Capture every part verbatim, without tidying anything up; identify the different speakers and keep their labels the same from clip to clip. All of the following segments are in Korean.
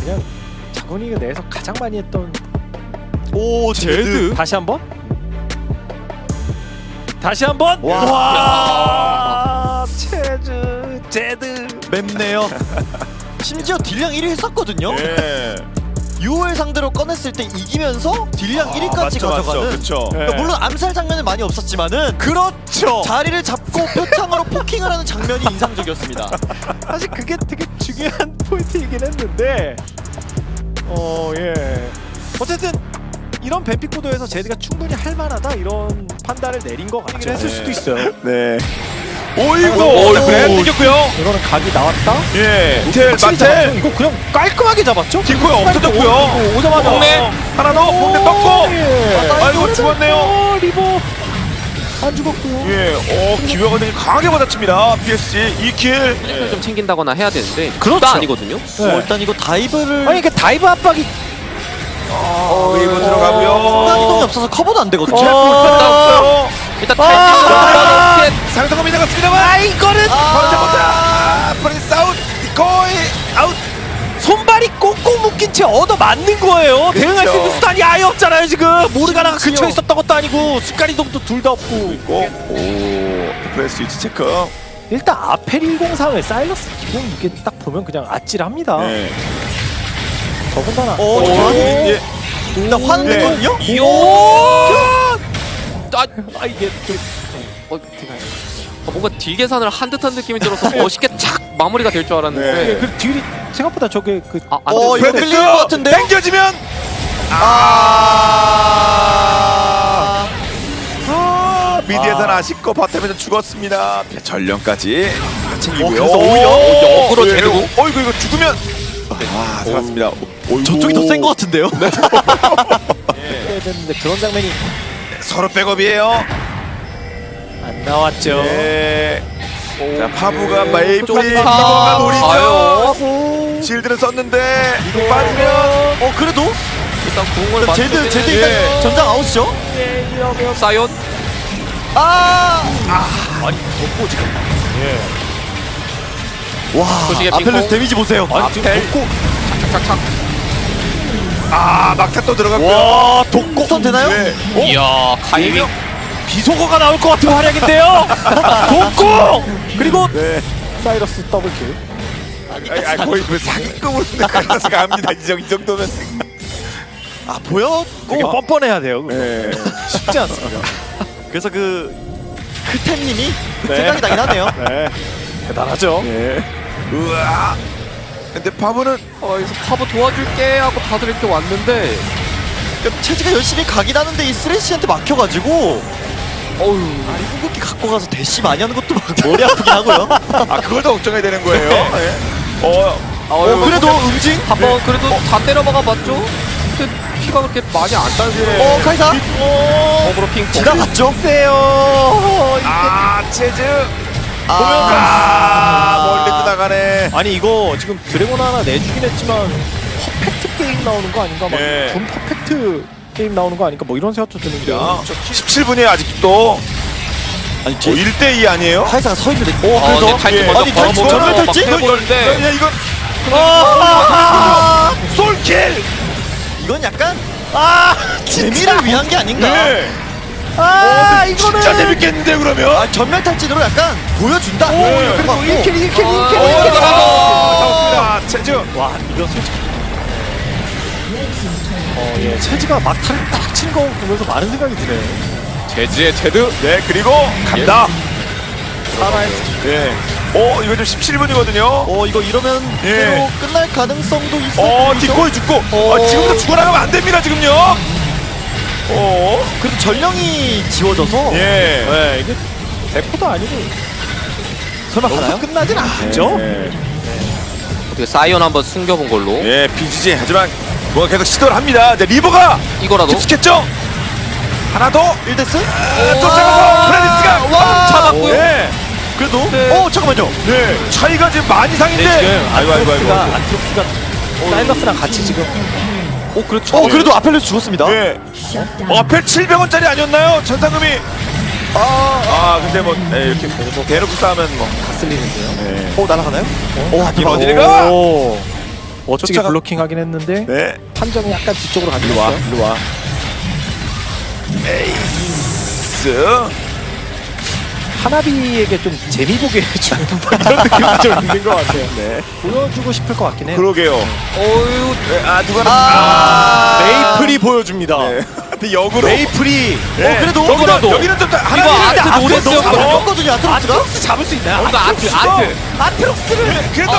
Speaker 1: 그냥 자군이가 내에서 가장 많이 했던.
Speaker 2: 오 제드.
Speaker 1: 다시 한번. 다시 한번.
Speaker 2: 와.
Speaker 1: 와. 체즈 제드.
Speaker 2: 맵네요. 심지어 딜량 일 위 했었거든요.
Speaker 3: 예.
Speaker 2: 유월 상대로 꺼냈을 때 이기면서 딜량
Speaker 3: 아,
Speaker 2: 일 위까지
Speaker 3: 맞죠,
Speaker 2: 가져가는.
Speaker 3: 맞죠. 그쵸.
Speaker 2: 그러니까 물론 암살 장면은 많이 없었지만은
Speaker 1: 그렇죠.
Speaker 2: 자리를 잡고 표창으로 포킹을 하는 장면이 인상적이었습니다.
Speaker 1: 사실 그게 되게 중요한 포인트이긴 했는데 어 예 어쨌든 이런 뱀픽 구도에서 제드가 충분히 할 만하다 이런 판단을 내린 것 같긴 했을
Speaker 3: 네.
Speaker 1: 수도 있어요.
Speaker 3: 네. 오이고.
Speaker 1: 오,
Speaker 3: 그래 뜯겼고요.
Speaker 1: 이거는 각이 나왔다.
Speaker 3: 예. 텔
Speaker 1: 확실히 잡았죠.
Speaker 3: 마텔.
Speaker 1: 이거 그냥 깔끔하게 잡았죠.
Speaker 3: 뒷코에 없어졌고요.
Speaker 1: 오, 오자마자
Speaker 3: 봉내 하나 더 봉내 떴고.
Speaker 1: 예.
Speaker 3: 아이고 죽었네요.
Speaker 1: 어, 리버 안 죽었고요.
Speaker 3: 예. 어 기회가 되게 강하게 받아칩니다. 피에스지 이 킬.
Speaker 4: 힐을 좀 챙긴다거나 해야 되는데
Speaker 1: 그렇죠.
Speaker 4: 다 아니거든요.
Speaker 2: 어, 일단 이거 다이브를
Speaker 1: 아니 그 다이브 압박이
Speaker 3: 어, 웨이브
Speaker 2: 순간
Speaker 3: 들어가고요.
Speaker 2: 이동이 없어서 커버도 안 되거든요.
Speaker 3: 제 없어요.
Speaker 4: 일단
Speaker 1: 아!
Speaker 4: 탈진으로
Speaker 3: 상성검이 나갔습니다만.
Speaker 1: 아 이거는
Speaker 3: 번째 보자. 프린스 아웃. 거의 아웃.
Speaker 1: 손발이 꽁꽁 묶인 채 얻어 맞는 거예요. 대응할 수 있는 수단이 아예 없잖아요 지금. 모르가나가 근처에 있었던 것도 아니고 습관 이동도 둘 다 없고.
Speaker 3: 오, 오. 프레스 위치 체크.
Speaker 1: 일단 아펠 일공삼에 사일러스 기공 이게 딱 보면 그냥 아찔합니다.
Speaker 3: 네.
Speaker 1: 더군다나
Speaker 2: 어,
Speaker 3: 오,
Speaker 2: 저기
Speaker 3: 예.
Speaker 2: 일단 화냈거든요.
Speaker 4: 이요. 아,
Speaker 1: 아 이게 좀
Speaker 4: 어, 어, 뭔가 딜 계산을 한 듯한 느낌이 들어서 멋있게 착 마무리가 될 줄 알았는데.
Speaker 3: 네.
Speaker 1: 그 딜이 생각보다 저게 그
Speaker 4: 아, 안
Speaker 2: 어,
Speaker 4: 됐어요.
Speaker 2: 이거 끌리는 것 같은데요?
Speaker 3: 당겨지면
Speaker 2: 아.
Speaker 3: 아, 미드에서는 아쉽고 바텀에서 죽었습니다. 전령까지 챙기고요.
Speaker 2: 어, 그래서 오히려
Speaker 3: 오,
Speaker 4: 역으로
Speaker 3: 예,
Speaker 4: 제대로.
Speaker 3: 어이구 이거 죽으면 아 살았습니다. 어이구.
Speaker 2: 저쪽이 더 센 것 같은데요?
Speaker 1: 해야 되는데 그런 장면이
Speaker 3: 서로 백업이에요.
Speaker 1: 안 나왔죠.
Speaker 3: 네. 자 파부가
Speaker 4: 오,
Speaker 3: 메이플이
Speaker 4: 좋다.
Speaker 3: 리버가 노리죠.
Speaker 4: 아유.
Speaker 3: 실드를 썼는데 이거 빠지면
Speaker 2: 어 그래도
Speaker 4: 일단 궁을
Speaker 2: 일단 제드 제드
Speaker 3: 예.
Speaker 2: 일단 전장 아웃이죠?
Speaker 1: 예, 이러면
Speaker 4: 사이온.
Speaker 2: 아.
Speaker 1: 아니 덮고 지금
Speaker 2: 와.
Speaker 4: 소식의
Speaker 2: 아펠레스
Speaker 4: 핑퐁.
Speaker 2: 데미지 보세요.
Speaker 1: 아니 지금
Speaker 4: 아펠.
Speaker 1: 덮고
Speaker 4: 착착착.
Speaker 3: 아 막타 또 들어갔고요.
Speaker 2: 와, 독고 턴 되나요?
Speaker 3: 네. 어?
Speaker 4: 이야, 카이밍.
Speaker 1: 비속어가 나올 것 같은 활약인데요. 덮고 그리고
Speaker 3: 네.
Speaker 1: 사이러스 더블킬.
Speaker 3: 아니, 아니, 거의 그 사기급으로 클래스가 합니다. 이, 정, 이 정도면.
Speaker 2: 아 보여?
Speaker 1: 되게 뻔뻔해야 돼요. 그거.
Speaker 3: 네.
Speaker 1: 쉽지 않습니다.
Speaker 2: 그래서 그 크템님이
Speaker 1: 네.
Speaker 2: 생각이 나긴 하네요.
Speaker 1: 네. 대단하죠.
Speaker 3: 네. 우와. 근데 파브는
Speaker 4: 어, 여기서 파브 도와줄게 하고 다들 이렇게 왔는데.
Speaker 2: 그러니까 체지가 열심히 가긴 하는데 이 쓰레쉬한테 막혀가지고
Speaker 4: 어우.
Speaker 2: 아니 궁극기 갖고 가서 대시 많이 하는 것도 막 머리 아프긴 하고요.
Speaker 3: 아 그걸 더 걱정해야 되는 거예요. 네. 어.
Speaker 4: 어,
Speaker 2: 어 그래도 응징?
Speaker 4: 한번 그래도 다 때려박아 봤죠? 근데 피가 그렇게 많이 안 따지고.
Speaker 2: 어 카이사
Speaker 4: 어그로 핑퐁.
Speaker 2: 지나갔죠?
Speaker 1: 세요.
Speaker 3: 아 체즈.
Speaker 2: 아,
Speaker 3: 아 멀리 떠나가네.
Speaker 1: 아니 이거 지금 드래곤 하나 내주긴 했지만 퍼펙트 게임 나오는 거 아닌가? 막
Speaker 3: 예.
Speaker 1: 준 퍼펙트 게임 나오는 거 아닌가? 뭐 이런 생각도 드는데.
Speaker 3: 십칠 분이에요 아직도.
Speaker 2: 아니
Speaker 3: 어,
Speaker 2: 제
Speaker 3: 일 대 이 아니에요?
Speaker 2: 카이사가 서 있는데 오
Speaker 4: 어,
Speaker 2: 그래서
Speaker 4: 근데 탈진
Speaker 3: 예.
Speaker 4: 먼저
Speaker 2: 아니, 탈진
Speaker 4: 걸어보고
Speaker 2: 전멸
Speaker 4: 막
Speaker 2: 탈진?
Speaker 4: 해보는데.
Speaker 3: 야 이거
Speaker 2: 아,
Speaker 3: 솔킬.
Speaker 2: 이건 약간 아 재미를 위한 게 아닌가?
Speaker 3: 네.
Speaker 1: 아
Speaker 3: 이거는 진짜 재밌겠는데 그러면.
Speaker 2: 아 전멸 탈진으로 약간 보여준다.
Speaker 1: 오, 그리고
Speaker 2: 어,
Speaker 1: 일 킬, 일 킬, 일 킬,
Speaker 4: 어,
Speaker 1: 일 킬.
Speaker 4: 어,
Speaker 3: 잡았습니다. 체즈.
Speaker 1: 와, 이거 솔직히. 어, 예, 체지가 막타를 딱 친 거 보면서 많은 생각이 드네요.
Speaker 4: 제지의 제드.
Speaker 3: 네 그리고 간다.
Speaker 1: 살아야
Speaker 3: 네. 어 이거 좀 십칠 분이거든요.
Speaker 2: 어 이거 이러면
Speaker 3: 예.
Speaker 2: 그대로 끝날 가능성도 있어.
Speaker 3: 어 뒷골 죽고.
Speaker 2: 어.
Speaker 3: 어, 지금부터 죽어나가면 안 됩니다 지금요. 어.
Speaker 2: 그래도 전령이 지워져서
Speaker 3: 예.
Speaker 1: 네, 이게 대포도 아니고
Speaker 2: 설마
Speaker 1: 여기서
Speaker 2: 가나요?
Speaker 1: 끝나진 않죠.
Speaker 3: 네.
Speaker 4: 어떻게 사이온 한번 숨겨본 걸로.
Speaker 3: 예, 비지지 하지만 뭐 계속 시도를 합니다. 이제 리버가
Speaker 4: 이거라도.
Speaker 3: 깊숙했죠. 하나 더
Speaker 2: 일 대스?
Speaker 3: 아, 쫓아가서 프레디스가
Speaker 2: 와,
Speaker 4: 잡았고요.
Speaker 3: 네.
Speaker 2: 그래도
Speaker 4: 네.
Speaker 2: 어 잠깐만요.
Speaker 3: 네, 차이가 지금 많이 상인데.
Speaker 1: 네, 지금
Speaker 3: 아이고 아이고 아이고.
Speaker 1: 안트록스가 안트록스가 사일러스랑 같이 지금
Speaker 4: 오, 그렇죠.
Speaker 2: 어 그래도 아펠레스 죽었습니다.
Speaker 3: 네. 어, 앞에 칠백 원짜리 아니었나요? 천상금이. 아, 아 근데 뭐 네, 이렇게 뭐 대놓고 싸우면 뭐.
Speaker 1: 다 쓸리는데요.
Speaker 3: 네.
Speaker 2: 어 날아가나요? 어 앞에
Speaker 3: 어디를 가?
Speaker 1: 오, 오, 멋지게
Speaker 3: 쫓아가-
Speaker 1: 블로킹하긴 했는데
Speaker 3: 네.
Speaker 1: 판정이 약간 뒤쪽으로 가긴
Speaker 3: 일로 와,
Speaker 1: 했어요.
Speaker 3: 일로 와. 에이스.
Speaker 1: 하나비에게 좀 재미 보게 해주는 이런 느낌이 좀 있는 것 같아요.
Speaker 3: 네.
Speaker 1: 보여주고 싶을 것 같긴 해요.
Speaker 3: 그러게요.
Speaker 4: 어유
Speaker 3: 네, 아 누가
Speaker 1: 아, 메이플이 보여줍니다.
Speaker 3: 네. 근데 역으로.
Speaker 1: 메이플이
Speaker 3: 네.
Speaker 2: 어, 그래도
Speaker 3: 여기는
Speaker 4: 그래도.
Speaker 3: 여기는 좀
Speaker 4: 이거
Speaker 3: 하나
Speaker 4: 아트 노데스였거든요.
Speaker 2: 어렵거든요, 아트록스가.
Speaker 1: 아트록스 잡을 수 있나요?
Speaker 4: 이거 아트 아트
Speaker 1: 아트록스를
Speaker 3: 그래도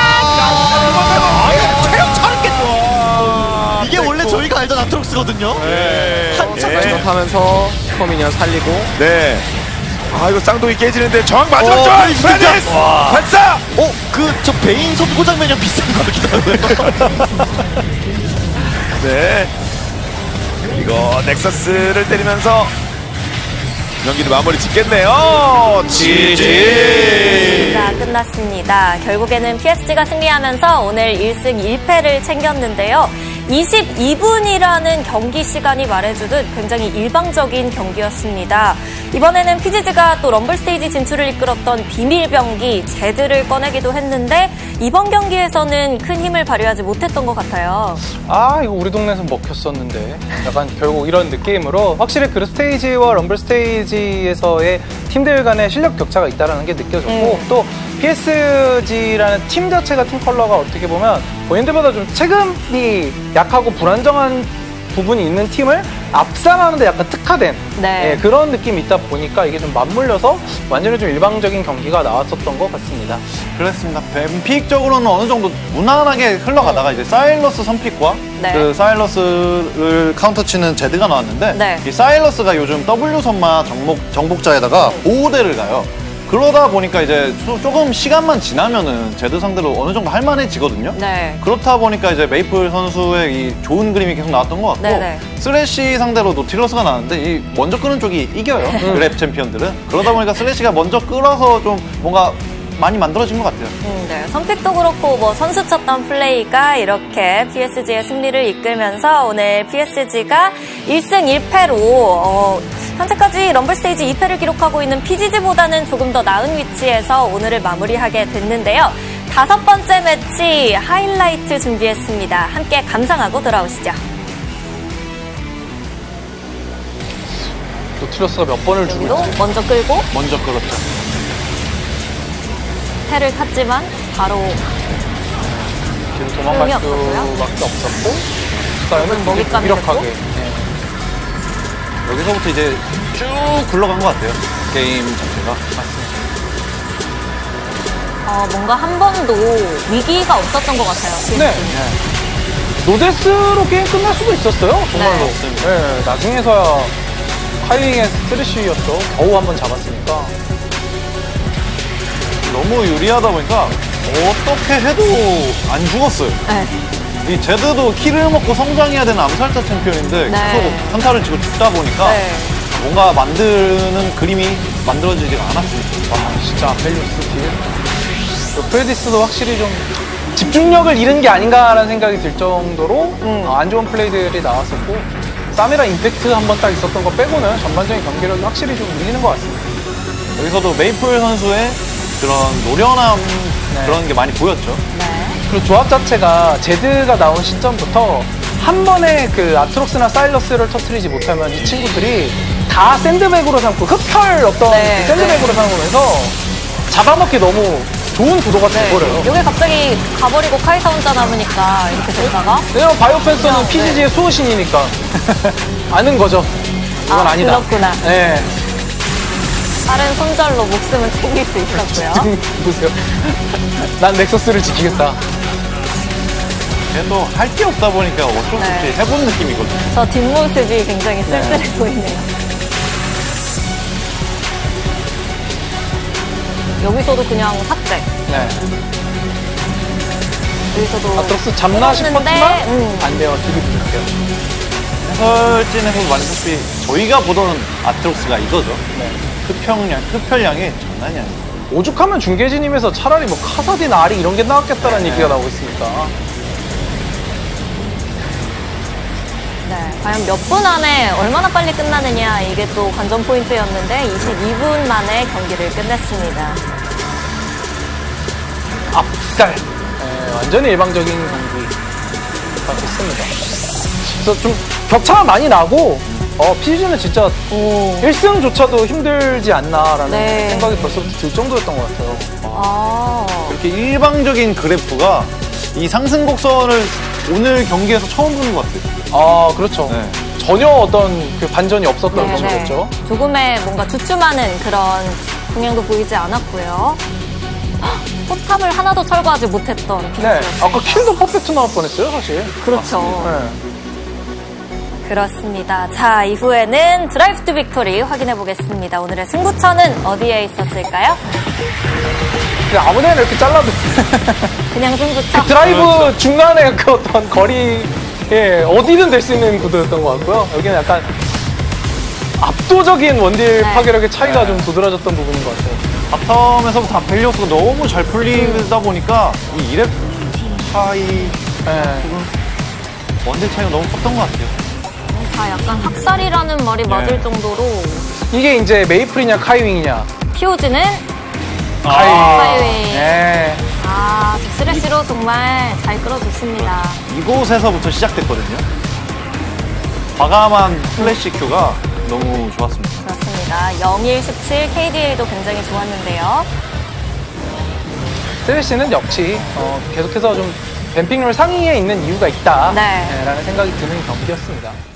Speaker 1: 체력 차렸겠어.
Speaker 2: 이게 원래 저희가 알던 아트록스거든요.
Speaker 3: 네.
Speaker 2: 한참
Speaker 3: 예.
Speaker 4: 하면서 슈퍼미니언 살리고
Speaker 3: 네. 아 이거 쌍둥이 깨지는데 정확 마지막
Speaker 2: 어,
Speaker 3: 점.
Speaker 2: 페이스
Speaker 3: 페니스
Speaker 2: 와.
Speaker 3: 발사.
Speaker 2: 어, 그 저 베인 선고 장면이랑 비슷한 거 같기도 하고요.
Speaker 3: 네. 이거 넥서스를 때리면서 경기를 마무리 짓겠네요. 지지.
Speaker 5: 자, 끝났습니다. 결국에는 피에스지가 승리하면서 오늘 일 승 일 패를 챙겼는데요. 이십이 분이라는 경기 시간이 말해주듯 굉장히 일방적인 경기였습니다. 이번에는 피지지가 또 럼블 스테이지 진출을 이끌었던 비밀 병기 제드를 꺼내기도 했는데 이번 경기에서는 큰 힘을 발휘하지 못했던 것 같아요.
Speaker 6: 아 이거 우리 동네에서 먹혔었는데 약간 결국 이런 느낌으로 확실히 그룹 스테이지와 럼블 스테이지에서의 팀들 간의 실력 격차가 있다는 게 느껴졌고
Speaker 5: 음.
Speaker 6: 또 피에스지라는 팀 자체가 팀 컬러가 어떻게 보면 본인들보다 좀 체급이 약하고 불안정한 부분이 있는 팀을 압살하는데 약간 특화된
Speaker 5: 네.
Speaker 6: 예, 그런 느낌이 있다 보니까 이게 좀 맞물려서 완전히 좀 일방적인 경기가 나왔었던 것 같습니다.
Speaker 7: 그렇습니다. 뱀픽적으로는 어느 정도 무난하게 흘러가다가 이제 사일러스 선픽과
Speaker 5: 네.
Speaker 7: 그 사일러스를 카운터 치는 제드가 나왔는데
Speaker 5: 네.
Speaker 7: 이 사일러스가 요즘 W 선마 정복, 정복자에다가 보호대를 가요. 그러다 보니까 이제 조- 조금 시간만 지나면은 제드 상대로 어느 정도 할만해지거든요.
Speaker 5: 네.
Speaker 7: 그렇다 보니까 이제 메이플 선수의 이 좋은 그림이 계속 나왔던 것 같고
Speaker 5: 네네.
Speaker 7: 슬래시 상대로 노틸러스가 나왔는데 이 먼저 끄는 쪽이 이겨요. 그랩 챔피언들은. 그러다 보니까 슬래시가 먼저 끌어서 좀 뭔가 많이 만들어진 것 같아요.
Speaker 5: 음, 네. 선픽도 그렇고 뭐 선수 쳤던 플레이가 이렇게 피에스지의 승리를 이끌면서 오늘 피에스지가 일 승 일 패로 어, 현재까지 럼블 스테이지 이 패를 기록하고 있는 피지지보다는 조금 더 나은 위치에서 오늘을 마무리하게 됐는데요. 다섯 번째 매치 하이라이트 준비했습니다. 함께 감상하고 돌아오시죠.
Speaker 6: 노틸러스가 몇 번을 주고
Speaker 5: 여기도
Speaker 6: 있지?
Speaker 5: 먼저 끌고
Speaker 7: 먼저 끌었죠.
Speaker 5: 패를 탔지만 바로
Speaker 6: 뒤로 도망갈
Speaker 5: 소용이 없었고요.
Speaker 6: 수밖에 없었고 그다음에
Speaker 5: 먹잇감이
Speaker 6: 무력하게
Speaker 5: 됐고.
Speaker 6: 네.
Speaker 7: 여기서부터 이제 쭉 굴러간 것 같아요. 게임 자체가.
Speaker 5: 어, 뭔가 한 번도 위기가 없었던 것 같아요.
Speaker 6: 네. 노데스로 게임 끝날 수도 있었어요. 정말로.
Speaker 5: 네.
Speaker 6: 네. 나중에서야 카이링의 스트레쉬였죠. 겨우 한 번 잡았으니까.
Speaker 7: 너무 유리하다 보니까 어떻게 해도 안 죽었어요.
Speaker 5: 네.
Speaker 7: 이 제드도 키를 먹고 성장해야 되는 암살자 챔피언인데
Speaker 5: 네.
Speaker 7: 계속 한타를 치고 죽다 보니까
Speaker 5: 네.
Speaker 7: 뭔가 만드는 그림이 만들어지지가 않았습니다.
Speaker 6: 와, 진짜 아펠리우스 딜. 또 프레디스도 확실히 좀 집중력을 잃은 게 아닌가라는 생각이 들 정도로 어, 안 좋은 플레이들이 나왔었고 사미라 임팩트 한 번 딱 있었던 거 빼고는 전반적인 경기력이 확실히 좀 밀리는 것 같습니다.
Speaker 7: 여기서도 메이플 선수의 그런 노련함
Speaker 6: 네.
Speaker 7: 그런 게 많이 보였죠.
Speaker 5: 네.
Speaker 6: 그리고 조합 자체가 제드가 나온 시점부터 한 번에 그 아트록스나 사일러스를 터트리지 못하면 이 친구들이 다 샌드백으로 삼고 흡혈 어떤
Speaker 5: 네,
Speaker 6: 그 샌드백으로 삼으면서 잡아먹기 너무 좋은 구도가 돼버려요.
Speaker 5: 여기 갑자기 가버리고 카이사 혼자 남으니까 이렇게 됐다가
Speaker 6: 왜냐면 바이오펜서는
Speaker 5: 네.
Speaker 6: 피지지의 수호신이니까 아는 거죠. 이건
Speaker 5: 아,
Speaker 6: 아, 니다
Speaker 5: 그렇구나.
Speaker 6: 네.
Speaker 5: 빠른 손절로 목숨을 챙길 수 있었고요.
Speaker 6: 지금 보세요. 난 넥서스를 지키겠다.
Speaker 7: 걔도 할 게 없다 보니까 어쩔 수 없이
Speaker 5: 네.
Speaker 7: 해본 느낌이거든요.
Speaker 5: 저 뒷모습이 굉장히 쓸쓸해 보이네요. 여기서도 그냥 삭제.
Speaker 6: 네.
Speaker 5: 여기서도
Speaker 6: 아트록스 잡나
Speaker 5: 끊었는데,
Speaker 6: 싶었지만
Speaker 5: 음.
Speaker 6: 안 돼요. 뒤로 붙을게요.
Speaker 7: 해설진에서 말했다시피 저희가 보던 아트록스가 이거죠.
Speaker 6: 네.
Speaker 7: 흡혈량, 흡혈량이 장난이 아니에요.
Speaker 6: 오죽하면 중계진임에서 차라리 뭐 카사딘 아리 이런 게 나왔겠다라는
Speaker 5: 네.
Speaker 6: 얘기가 나오고 있으니까.
Speaker 5: 네, 과연 몇 분 안에 얼마나 빨리 끝나느냐 이게 또 관전 포인트였는데 이십이 분 만에 경기를 끝냈습니다.
Speaker 6: 압살. 네, 완전히 일방적인 경기가 됐습니다. 그래서 좀 격차가 많이 나고 어, 피지는 진짜
Speaker 5: 오.
Speaker 6: 일 승조차도 힘들지 않나라는
Speaker 5: 네.
Speaker 6: 생각이 벌써부터 들 정도였던 것 같아요.
Speaker 5: 아.
Speaker 7: 이렇게 일방적인 그래프가 이 상승 곡선을 오늘 경기에서 처음 보는 것 같아요.
Speaker 6: 아, 그렇죠.
Speaker 7: 네.
Speaker 6: 전혀 어떤 그 반전이 없었던
Speaker 5: 네네.
Speaker 6: 경기였죠.
Speaker 5: 조금의 뭔가 주춤하는 그런 동향도 보이지 않았고요. 헉, 포탑을 하나도 철거하지 못했던
Speaker 6: 네.
Speaker 5: 피지였습니다.
Speaker 6: 아까 킬도 퍼펙트 나올 뻔했어요, 사실.
Speaker 5: 그렇죠.
Speaker 6: 네.
Speaker 5: 그렇습니다. 자, 이후에는 드라이브 투 빅토리 확인해 보겠습니다. 오늘의 승부처는 어디에 있었을까요?
Speaker 6: 그냥 아무 데나 이렇게 잘라도
Speaker 5: 그냥 승부처.
Speaker 6: 드라이브 중간에 그 어떤 거리, 예, 어디든 될 수 있는 구도였던 것 같고요. 여기는 약간 압도적인 원딜
Speaker 5: 네.
Speaker 6: 파괴력의 차이가 좀 도드라졌던 부분인 것 같아요.
Speaker 7: 바텀에서부터 벨리오스가 너무 잘 풀리다 보니까 이 이랩 차이,
Speaker 6: 예.
Speaker 7: 원딜 차이가 너무 컸던 것 같아요.
Speaker 5: 다 약간 학살이라는 말이 맞을 정도로
Speaker 6: 이게 이제 메이플이냐 카이윙이냐.
Speaker 5: 피오즈는
Speaker 6: 카이윙.
Speaker 5: 카이윙.
Speaker 6: 예.
Speaker 5: 아, 저 쓰레쉬로 정말 잘 끌어줬습니다.
Speaker 7: 이곳에서부터 시작됐거든요. 과감한 플래시 큐가 너무 좋았습니다.
Speaker 5: 그렇습니다. 영일 십칠 케이디에이도 굉장히 좋았는데요.
Speaker 6: 쓰레쉬는 역시 어, 계속해서 좀 뱀픽률 상위에 있는 이유가 있다.
Speaker 5: 네.
Speaker 6: 예, 라는 생각이 드는 경기였습니다.